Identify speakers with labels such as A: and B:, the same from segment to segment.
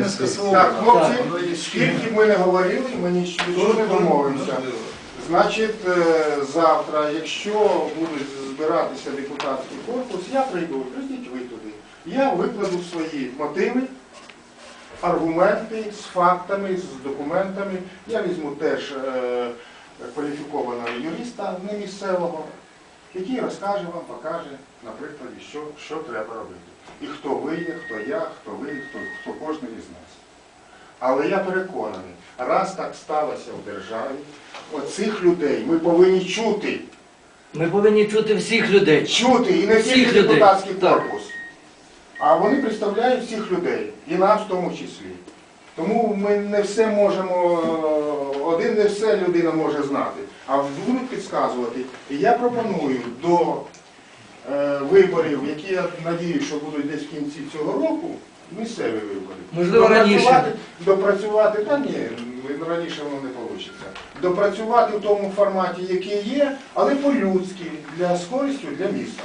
A: не скасовано.
B: Так, хлопці, скільки б ми не говорили, ми нічого не домовимося. Значить, завтра, якщо буде збиратися депутатський корпус, я прийду, прийдіть ви туди. Я викладу свої мотиви, аргументи з фактами, з документами. Я візьму теж кваліфікованого юриста, не місцевого, який розкаже вам, покаже, на прикладі, що треба робити. І хто ви є, хто я, хто ви, хто кожен із нас. Але я переконаний, раз так сталося в державі, оцих людей ми повинні чути.
C: Ми повинні чути всіх людей.
B: Чути, і не тільки депутатський корпус. А вони представляють всіх людей, і нас в тому числі. Тому ми не все можемо, один не все людина може знати, а будуть підказувати. І я пропоную до виборів, які я надіюсь, що будуть десь в кінці цього року, місцеві вибори.
C: Можливо, раніше.
B: Допрацювати, та ні, раніше воно не вийде. Допрацювати в тому форматі, який є, але по-людськи, з користю для міста.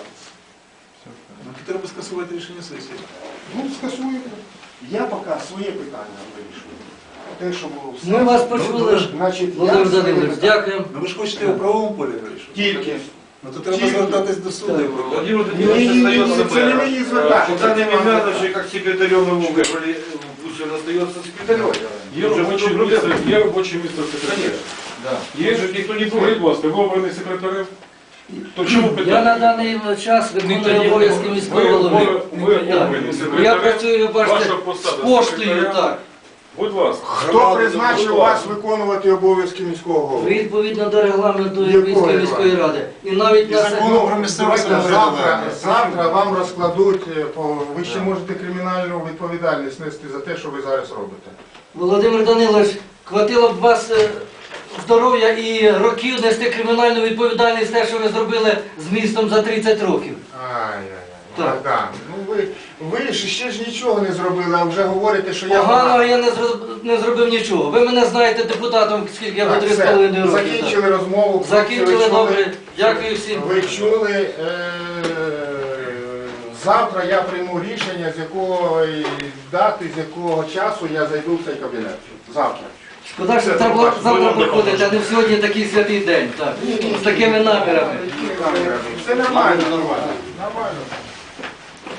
A: Ну, то треба скасувати рішення сесії.
B: Ну, скасуємо. Я поки своє питання вирішую. Те, що було все.
C: Ми вас почули,
B: Значить,
C: Володимир Данилович, дякуємо.
A: Ну ви ж хочете у правовому полі вирішити?
B: Тільки.
A: Ну то треба звертатись до суду.
D: Владимир
B: Ні,
D: Владимирович остается
B: це не
D: мэром.
B: мені звертати.
D: Богдан Емельянович как секретарем его выбрали, пусть он остается секретарем.
E: Є робоче місце секретаря. Є ж, ніхто не говорить, будь ласка, ви обраний секретарем. То чому
C: Я
E: питання?
C: на даний час виконую обов'язки міського голови.
E: Ви обраний
C: Я
E: секретарем.
C: працюю, бачите,
E: Ваша
C: з
E: посада
C: поштою,
E: секретаря.
C: так.
E: Будь ласка.
B: Хто призначив вас виконувати обов'язки міського голови?
C: Відповідно до регламенту
B: Якої
C: Львівської міської ради. І навіть на
A: закону про місцеве самоврядування.
B: Завтра вам розкладуть, ви ще можете кримінальну відповідальність нести за те, що ви зараз робите.
C: Володимир Данилович, хватило б вас здоров'я і років нести кримінальну відповідальність те, що ви зробили з містом за 30 років.
B: Ай-яй-яй.
C: Так.
B: Богдан, ну ви ж ще ж нічого не зробили, а вже говорите, що я...
C: Поганого я не зробив нічого. Ви мене знаєте депутатом, скільки я
B: Так,
C: був 3,5
B: все,
C: роки.
B: закінчили розмову.
C: Закінчили,
B: Ви чули?
C: добре. Дякую всім.
B: Ви чули, завтра я прийму рішення, з якої дати, з якого часу я зайду в цей кабінет. Завтра.
C: Шкода, що треба було завтра приходити, а не сьогодні такий святий день. Так. З такими намірами.
B: Все нормально, нормально. Нормально.